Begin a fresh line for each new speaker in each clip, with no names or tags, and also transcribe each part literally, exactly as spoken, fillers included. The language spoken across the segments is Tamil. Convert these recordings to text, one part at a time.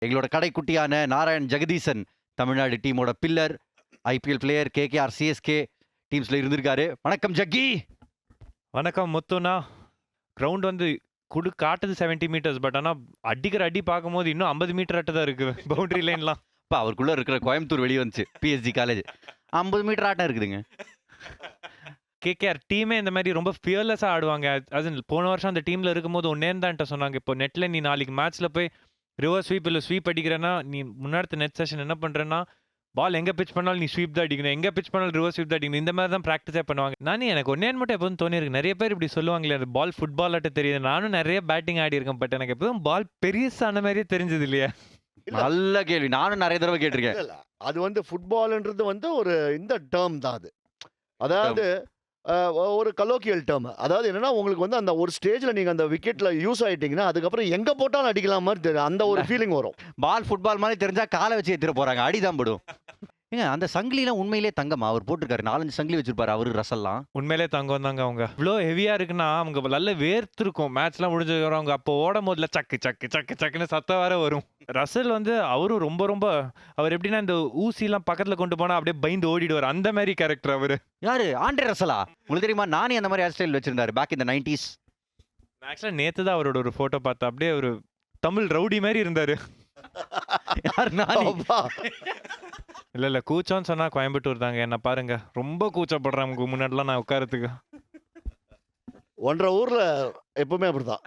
எங்களோட கடைக்குட்டியான நாராயண் ஜெகதீசன் தமிழ்நாடு டீமோட pillar, IPL player, KKR, CSK டீம்ஸ்ல இருந்திருக்காரு. வணக்கம் ஜக்கி.
வணக்கம் முத்துண்ணா. கிரவுண்ட் வந்து குடு காட்டுது செவன்டி மீட்டர்ஸ், பட் ஆனால் அடிக்கிற அடி பார்க்கும்போது இன்னும் ஐம்பது மீட்டர் ஆட்ட தான் இருக்கு பவுண்டரி லைன்லாம்.
இப்போ அவருக்குள்ள இருக்கிற கோயம்புத்தூர் வெளியே வந்துச்சு, பிஎஸ்ஜி காலேஜ் ஐம்பது மீட்டர் ஆட்டம் இருக்குதுங்க.
கேகேஆர் டீமே இந்த மாதிரி ரொம்ப ஃபியர்லெஸ்ஸாக ஆடுவாங்க. அது போன வருஷம் அந்த டீமில் இருக்கும்போது ஒன்னே தான்ட்ட சொன்னாங்க, இப்போ நெட்டில் நீ நாளைக்கு மேட்ச்சில் போய் ரிவர்ஸ் ஸ்வீப் இல்லை ஸ்வீப் அடிக்கிறேன்னா நீ முன்னாடி நெட் செஷன் என்ன பண்ணுறேன்னா பால் எங்கே பிச் பண்ணாலும் நீ ஸ்வீப் தான் அடிக்கணும், எங்கே பிச் பண்ணாலும் ரிவர்ஸ் ஸ்வீப் தான் அடிக்கணும். இந்த மாதிரி தான் ப்ராக்டிஸே பண்ணுவாங்க. நானே எனக்கு ஒன்னே மட்டும் எப்போதும் தோணியிருக்கு, நிறைய பேர் இப்படி சொல்லுவாங்களே அது பால் ஃபுட்பால் ஆட்ட தெரியுது. நானும் நிறைய பேட்டிங் ஆடி இருக்கேன், பட் எனக்கு எப்போதும் பால் பெரியசான மாதிரியே தெரிஞ்சது இல்லையா?
நல்ல கேள்வி, நானும் நிறைய தடவை கேட்டிருக்கேன்.
அது வந்து ஃபுட்பால்ன்றது வந்து ஒரு இந்த டேர்ம் தான் அது. அதாவது ஒரு கலோக்கியல் டேர்ம். அதாவது என்னன்னா உங்களுக்கு வந்து அந்த ஒரு ஸ்டேஜ்ல நீங்க அந்த விக்கெட்ல யூஸ் ஆயிட்டீங்கன்னா அதுக்கப்புறம் எங்க போட்டாலும் அடிக்கலாம் மாதிரி தெரியும். அந்த ஒரு ஃபீலிங் வரும்.
பால் ஃபுட்பால் மாதிரி தெரிஞ்சா காலை வச்சு ஏத்திர போறாங்க, அடிதான் படும். ஏங்க அந்த சங்கிலிலாம் உண்மையிலே தங்கமா? அவர் போட்டிருக்காரு, நாலஞ்சு சங்கிலி வச்சிருப்பாரு அவரு, ரசல்லாம்
உண்மையிலே தங்கம் தாங்க. அவங்க இவ்வளோ ஹெவியா இருக்குன்னா அவங்க நல்ல வேர்த்திருக்கும். மேட்ச்லாம் முடிஞ்சு அவங்க அப்போ ஓடும் போதுல சக்கு சக்கு சக்கு சக்குன்னு சத்தம் வேற வரும். ரசல் வந்து அவரும் ரொம்ப ரொம்ப அவர் எப்படின்னா இந்த ஊசிலாம் பக்கத்துல கொண்டு போனா அப்படியே பயந்து ஓடிடுவார், அந்த மாதிரி கேரக்டர் அவரு.
யாரு? ஆண்ட்ரே ரசலா? உங்களுக்கு தெரியுமா, நானே அந்த மாதிரி ஹேர் ஸ்டைல் வச்சிருந்தாரு பேக் இன் தி நைன்டீஸ்.
ஆக்சுவலா நேத்து தான் அவரோட ஒரு போட்டோ பார்த்தா அப்படியே ஒரு தமிழ் ரவுடி மாதிரி இருந்தாரு.
யார்? நானே.
இல்ல இல்ல கூச்சம்னு சொன்னா கோயம்புத்தூர் தாங்க. என்ன பாருங்க, ரொம்ப கூச்சப்படுறேன் முன்னாடிலாம் நான் உட்காரத்துக்கு.
ஒன்றரை ஊர்ல எப்பவுமே அப்படிதான்.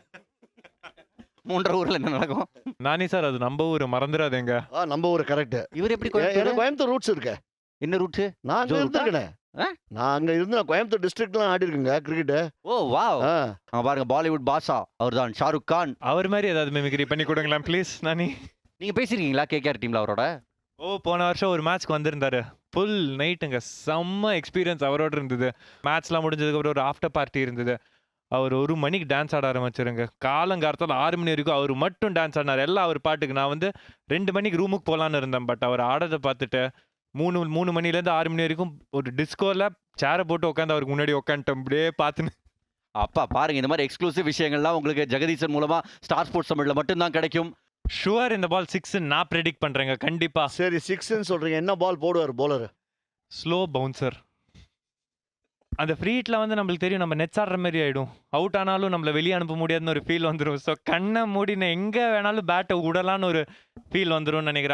மூன்றரை ஊர்ல என்ன நடக்கும்?
நானி சார் அது நம்ம ஊரு, மறந்துடாதேங்க.
நம்ம ஊர் கரெக்ட்.
இவர் எப்படி
எனக்கு கோயம்புத்தூர் ரூட்ஸ் இருக்கு.
என்ன ரூட்?
நான் அங்க இருந்திருக்கேன். நான் அங்க இருந்து நான் கோயம்புத்தூர் டிஸ்ட்ரிக்ட்லாம் ஆடி இருக்கேங்க கிரிக்கெட்.
ஓ வாவ். அங்க பாருங்க, பாலிவுட் பாஷா அவர்தான், ஷாருக் கான்.
அவர் மாதிரி ஏதாவது மிமிக்ரி பண்ணி கொடுங்களா ப்ளீஸ். நானி
நீங்க பேசிருக்கீங்களா கேகேஆர் டீம்ல அவரோட?
ஓ போன வருஷம் ஒரு மேட்ச்க்கு வந்திருந்தாரு. ஃபுல் நைட்டுங்க, செம்ம எக்ஸ்பீரியன்ஸ் அவரோட இருந்தது. மேட்ச்லாம் முடிஞ்சதுக்கப்புறம் ஒரு ஆஃப்டர் பார்ட்டி இருந்தது. அவர் ஒரு மணிக்கு டான்ஸ் ஆட ஆரம்பிச்சிருங்க. காலங்காலத்தில் ஆறு மணி வரைக்கும் அவர் மட்டும் டான்ஸ் ஆடினார், எல்லாம் அவர் பாட்டுக்கு. நான் வந்து ரெண்டு மணிக்கு ரூமுக்கு போகலான்னு இருந்தேன், பட் அவர் ஆடதை பார்த்துட்டு மூணு மூணு மணிலேருந்து ஆறு மணி வரைக்கும் ஒரு டிஸ்கோவில் சேரை போட்டு உட்காந்து அவருக்கு முன்னாடி உட்காந்துட்டேன் அப்படியே பார்த்துன்னு.
அப்பா பாருங்க, இந்த மாதிரி எக்ஸ்க்ளூசிவ் விஷயங்கள்லாம் உங்களுக்கு ஜெகதீசன் மூலமா ஸ்டார் ஸ்போர்ட்ஸ் தமிழ்ல மட்டும்தான் கிடைக்கும்.
ஷுவர் இந்த பால் சிக்ஸ் நான் ப்ரெடிக்ட் பண்றேங்க கண்டிப்பா.
சரி சிக்ஸ்ன்னு சொல்றீங்க, என்ன பால் போடுவார் போலர்?
Slow bouncer. அந்த ஃப்ரீ ஹிட்ல வந்து நம்மளுக்கு தெரியும் நம்ம நெட்ஸ் ஆடுற மாதிரி ஆயிடும். அவுட் ஆனாலும் நம்மள வெளியே அனுப்ப முடியாதுன்னு ஒரு ஃபீல் வந்துடும். ஸோ கண்ணை மூடி நான் எங்கே வேணாலும் பேட்டை விடலான்னு ஒரு ஃபீல் வந்துடும் நினைக்கிறேன்.